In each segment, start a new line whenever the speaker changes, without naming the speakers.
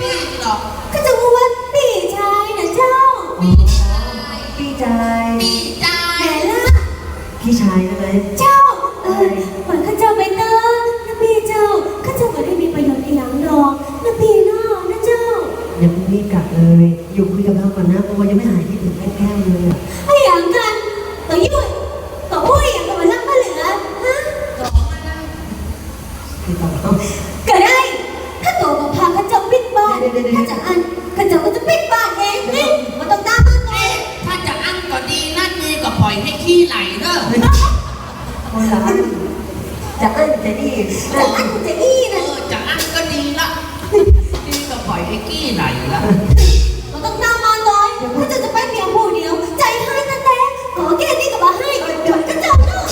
พี่หรอก
ก็จะพูดว่าพี่ชายนะเจ้า
พี่ชาย
พี่ชาย
พี่ชาย
แม่ละ
พี่ชายใช่ไหม
เจ้าเหมือนข้าเจ้าไปเตอนะพี่เจ้าข้าเจ้าไม่ได้มีประโยชน์อีหยังหรอกนะพี่น้อนะเจ้า
ยังไม่รีบกลับเลยอยู่คุยกับเราก่อนนะเพราะว่ายังไม่หายคิดถึงแก้วเลยอ่ะ
ไอ้อย่างกันต่อยุ่ยต่ออุ้ยอย่างกับมันรักมาเหลือฮะ
สองอันนะ
พี่ต่อ
ก็ได้ถ้าตัวกับพาข้าเจ้าปิดบ้านถ้าจะอันข้าเจ้าก็จะปิดบ้านเองนี่มันต้องตามมาก่อน
ถ้าจะอั้นก็ดีนั่นดีก็ปล่อยให้ขี้ไหลเด้อ
คนละอันจะอั้นจะนี่
จะอันจะอี้นะ
จะอั้นก็ดีละดีก็ปล่อยให้ขี้ไหลละ
มันต้องตามมาก่อนข้าเจ้าจะไปเพียงผู้เดียวใจให้นั่นแหละขอแค่นี้ก็มาให้เดี๋ยวข้าเจ้าเนาะ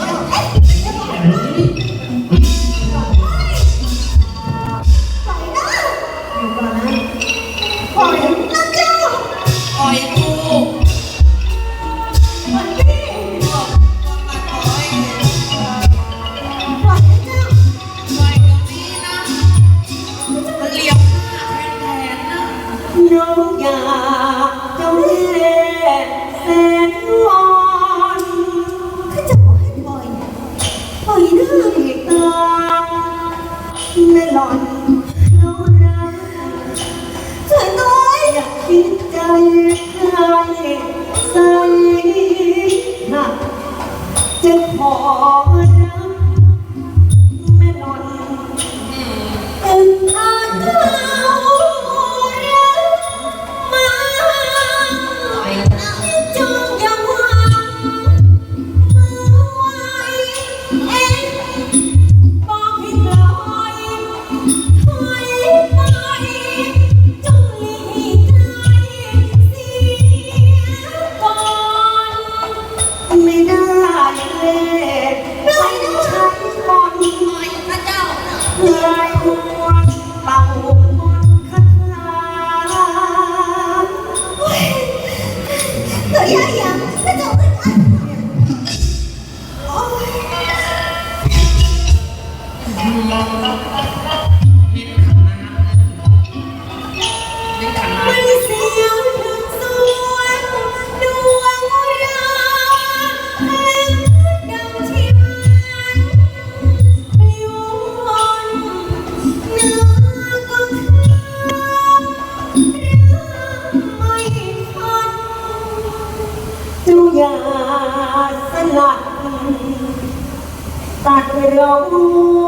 ปล่อยนะ
อยู่ก่อนนะ
ปล่อยนะเจ้า
ปล่อยกู
ปล่อยพี่
บอกมาปล่อย
ปล่อยนะเจ้า
ปล่อยเดี๋ยวนี้นะมันเหลี่ยมหน้าแทนๆนะ
น้องอยากจะเล่นแสนวอน
ข้าเจ้าบอกให้ปล่อยปล่อยนะ
ที่ตาไม่หล่อนเขารัก
สวยน้อย
อยากคิดใจใครใส่หนักจะขอรักไม่หล่อน
อึดอัดเอารักมาจงอย่าหวังมือไว้เองบอกให้ปล่อยให้ไปจงหลีกไกลเสียก่อน
ไม่ได้เลยไม่ใช่คน
ปล่อยพระเจ้านะ
ลายหัวเป่ามนต์คาถา
ตัวใหญ่ยังกระจกอึดอัดโอ๊ย
เน้นขันน้ำเน้นขันน้
มันเสียวถึงสวงดวงเราแห่งดังที่มันปลิววนเนื้อก็คือเรื่องไม่ทัน
เจ้าอย่าสลัดตัดร้อ